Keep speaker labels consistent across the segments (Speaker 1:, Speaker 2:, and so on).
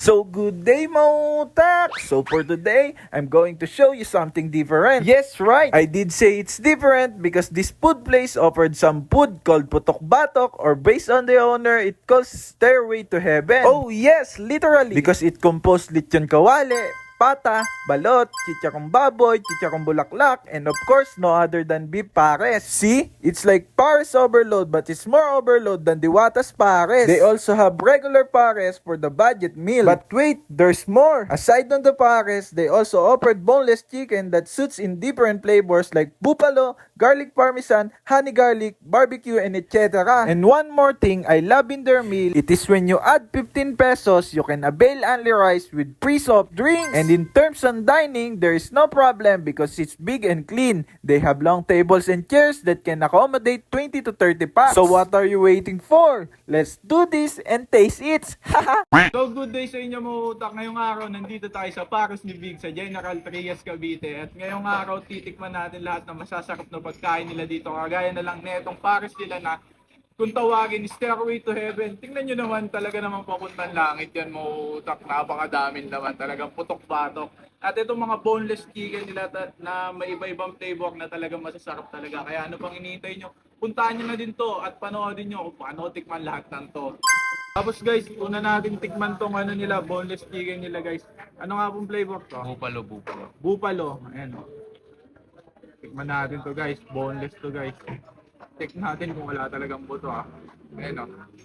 Speaker 1: So good day mga utak! So for today, I'm going to show you something different. Yes, right! I did say it's different because this food place offered some food called Putok Batok, or based on the owner, it calls Stairway to Heaven. Oh yes, literally! Because it composed lechon kawale, pata, balot, chicharong baboy, chicharong bulaklak, and of course, no other than beef pares. See? It's like pares overload, but it's more overload than Diwata's pares. They also have regular pares for the budget meal. But wait, there's more. Aside on the pares, they also offered boneless chicken that suits in different flavors like buffalo, garlic parmesan, honey garlic, barbecue, and etc. And one more thing I love in their meal, it is when you add 15 pesos, you can avail only rice with free soft drinks. And in terms on dining, there is no problem because it's big and clean. They have long tables and chairs that can accommodate 20 to 30 packs. So what are you waiting for? Let's do this and taste it!
Speaker 2: So good day sa inyo mga utak. Ngayong araw nandito tayo sa Paros ni Big sa General Trias, Cavite. At ngayong araw titikman natin lahat ng masasarap na pagkain nila dito. Kagaya na lang netong pares nila na kung tawagin Stairway to Heaven. Tingnan nyo naman, talaga namang papuntang langit yan mga utak. Napakadamin naman, talagang putok batok. At itong mga boneless chicken nila na may iba-ibang flavor na talagang masasarap talaga. Kaya ano pang iniintay nyo? Puntahan nyo na din to at panoodin nyo kung paano tikman lahat ng to. Tapos guys, una natin tikman tong ano nila, boneless chicken nila guys. Ano nga pong flavor to?
Speaker 3: Buffalo.
Speaker 2: Buffalo. Ayan o. Tikman natin to guys. Boneless to guys. Check natin kung wala talagang buto Ayan o.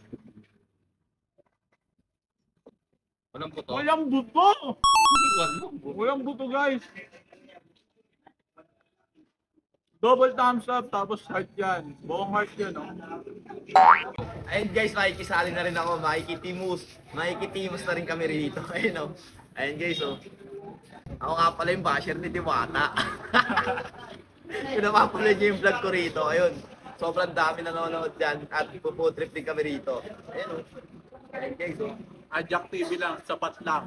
Speaker 3: Walang puto?
Speaker 2: Walang buto!
Speaker 3: Walang buto.
Speaker 2: Walang buto guys. Double thumbs up, tapos heart yan. Buong heart yan
Speaker 3: Ayun guys, makikisali na rin ako, makikitimus na rin kami rito. Ayun Ayun guys Ako nga pala yung basher ni Diwata. Pinapapanood niyo yung vlog ko rito. Ayun. Sobrang dami nanonood dyan at ipo-food trip din kami rito. Ayun Ayun guys
Speaker 2: Ajak TV lang, sapat lang.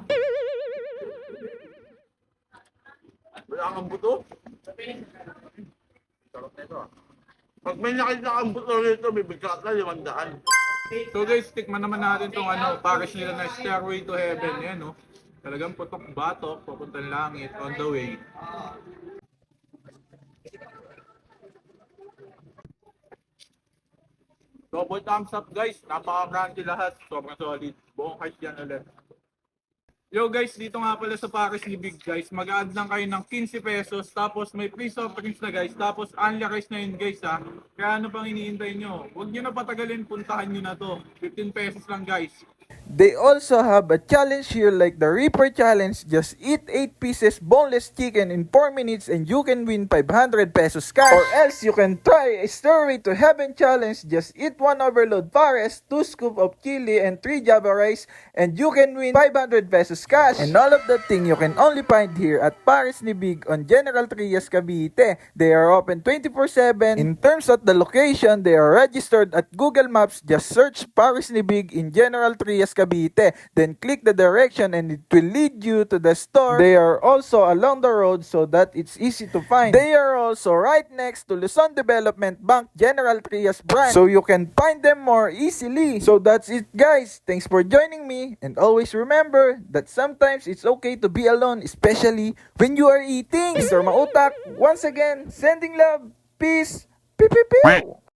Speaker 2: Wala kang buto?
Speaker 3: Sarap na ito
Speaker 2: Pag may nakita kang buto rito, bibigla ka 500. So guys, tikman naman natin tong pares nila na Stairway to Heaven. Yan Talagang putok batok, papuntang langit, on the way. Double thumbs up guys, napaka-crunchy lahat, sobrang solid. Buong heart yan ulit. Yo guys, dito nga pala sa Paris ni Big guys, mag-add lang kayo ng 15 pesos, tapos may free soft drinks na guys, tapos only rice na yun guys Kaya ano pang iniintay nyo? Huwag nyo na patagalin, puntahan nyo na to. 15 pesos lang guys.
Speaker 1: They also have a challenge here like the Reaper Challenge. Just eat 8 pieces boneless chicken in 4 minutes and you can win 500 pesos cash. Or else you can try a Stairway to Heaven Challenge. Just eat 1 overload pares, 2 scoop of chili, and 3 java rice and you can win 500 pesos cash. And all of that thing you can only find here at Pares ni Big on General Trias, Cavite. They are open 24/7. In terms of the location, they are registered at Google Maps. Just search Pares ni Big in General Trias, Cavite. Then click the direction and it will lead you to the store. They are also along the road so that it's easy to find. They are also right next to Luzon Development Bank General Trias branch, so you can find them more easily. So that's it guys. Thanks for joining me, and always remember that sometimes it's okay to be alone, especially when you are eating. Mr. Mautak, once again, sending love, peace, pew pew pew.